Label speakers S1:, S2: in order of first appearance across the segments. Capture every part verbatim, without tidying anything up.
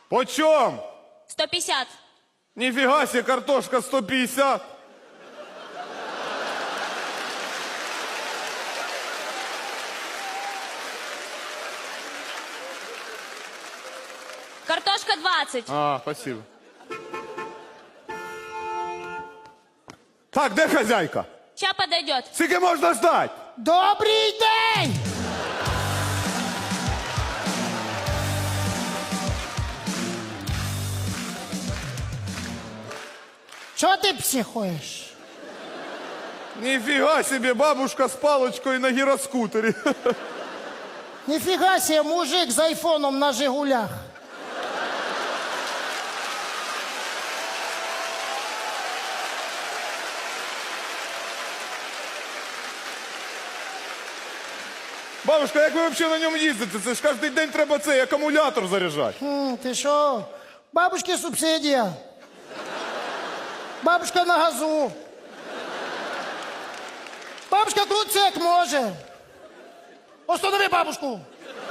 S1: Почем?
S2: сто пятьдесят.
S1: Нифига себе, картошка сто пятьдесят.
S2: Картошка двадцать.
S1: А, спасибо. Так, де хозяйка?
S2: Сейчас подойдет.
S1: Скільки можна ждать?
S3: Добрий день! Чого ти психуєш?
S1: Нифига себе, бабушка с палочкой на гироскутере.
S3: Ніфіга себе, мужик з айфоном на Жигулях.
S1: Бабушка, як ви взагалі на ньому їздите? Це ж кожен день треба цей акумулятор заряджати.
S3: Хм, ти що? Бабушки субсидія. Бабушка на газу. Бабушка крутиться як може. Останови бабушку.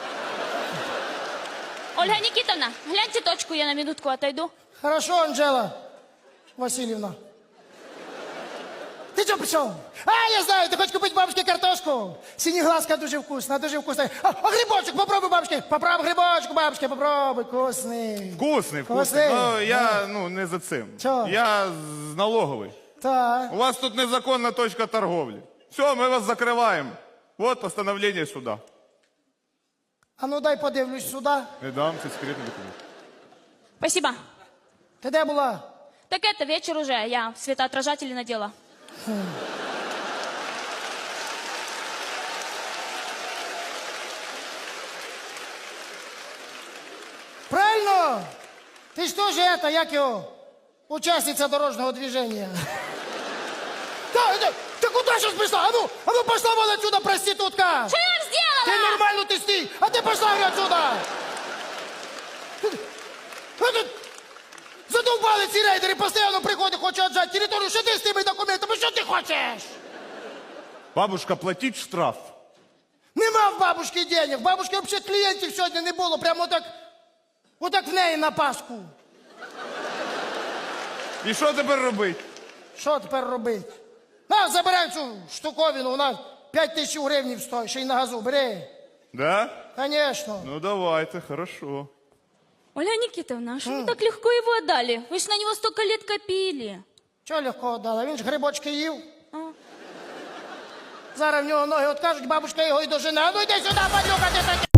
S2: Ольга Никитовна, гляньте точку, я на минутку отойду.
S3: Хорошо, Анжела Васильевна. Ти чого прийшов? А, я знаю, ти хочеш купити бабушці картошку. Синеглазка дуже вкусна, дуже вкусна. А, а грибочок попробуй, бабушки. Попробуй грибочок, бабушки, попробуй. Вкусний.
S1: Вкусний, вкусний.
S3: Вкусний?
S1: Ну, я, ну, не за цим.
S3: Чого?
S1: Я з налоговий.
S3: Так.
S1: У вас тут незаконна точка торговлі. Все, ми вас закриваємо. Вот постановление суда.
S3: А ну дай подивлюсь сюди.
S1: Не дам, це секретний документ.
S2: Спасибо.
S3: Ти де була?
S2: Так это вечер уже, я светоотражатели надела.
S3: Правильно? Ти ж теж это, як його, учасниця дорожнього движения. Да, да, ты куда сейчас пришла? А ну, а ну пошла вон отсюда, проститутка!
S2: Что я вам сделала?
S3: Ты нормально, ты стій, а ты пошла говорю, отсюда! А тут задовбали ці рейдери, постійно приходять, хочуть отжати територію, що ти з тими документами, що ти хочеш?
S1: Бабушка, платіть штраф.
S3: Нема в бабушки денег, бабушки взагалі клієнтів сьогодні не було, прямо отак, отак в неї на Пасху.
S1: І що тепер робити?
S3: Що тепер робити? На, забирай цю штуковину, вона п'ять тисяч гривень стоїть, ще й на газу, бери.
S1: Да?
S3: Конечно.
S1: Ну давайте, хорошо.
S2: Ольга Никитовна, а что вы так легко его отдали? Вы же на него столько лет копили.
S3: Чого легко дала? Він ж грибочки їв.
S2: А.
S3: Зараз в нього ноги откажуть, бабушка його й дожене. А ну йди сюди, падлюка, ти таки.